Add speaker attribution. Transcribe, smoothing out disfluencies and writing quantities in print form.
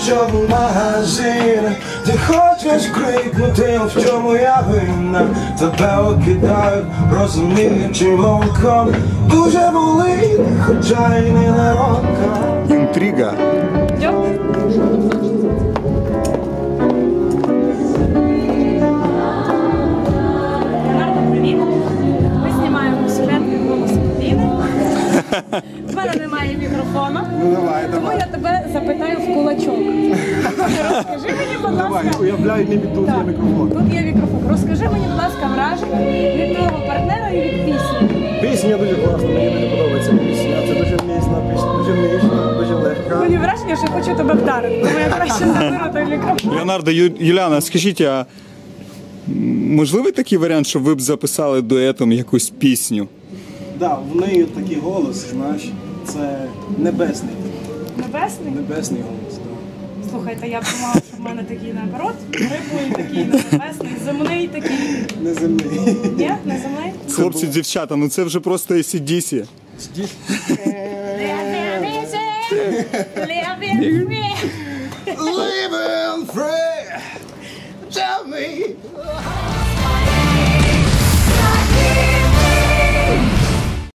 Speaker 1: що в магазин. Ти хочеш крикнути, в чому я винна. Тебе окидають, розуміючи волком. Дуже болить, хоча й не ненароком.
Speaker 2: Інтрига.
Speaker 3: В мене немає мікрофону,
Speaker 2: Тому
Speaker 3: я тебе запитаю в кулачок. Розкажи мені, будь ласка.
Speaker 2: Уявляй, ніби тут є мікрофон.
Speaker 3: Тут є мікрофон. Розкажи мені, будь ласка, враження від твого партнера і від пісні.
Speaker 2: Пісня дуже класна, мені дуже подобається пісня. Це дуже міцна пісня, дуже ніжна, дуже легка.
Speaker 3: Мені враження, що хочу тебе вдарити, тому я краще заберу той мікрофон.
Speaker 2: Леонардо, Юліана, скажіть, а можливий такий варіант, щоб ви б записали дуетом якусь пісню?
Speaker 4: Так, в неї такий голос, знаєш, це небесний.
Speaker 3: Небесний?
Speaker 4: Небесний голос, так.
Speaker 3: Слухайте, я б думала, що в мене такий наоборот, гриблий такий, небесний, земний такий.
Speaker 4: Неземний.
Speaker 3: Ні, не земний?
Speaker 2: Хлопці, дівчата, ну це вже просто AC/DC.
Speaker 1: Living free, tell me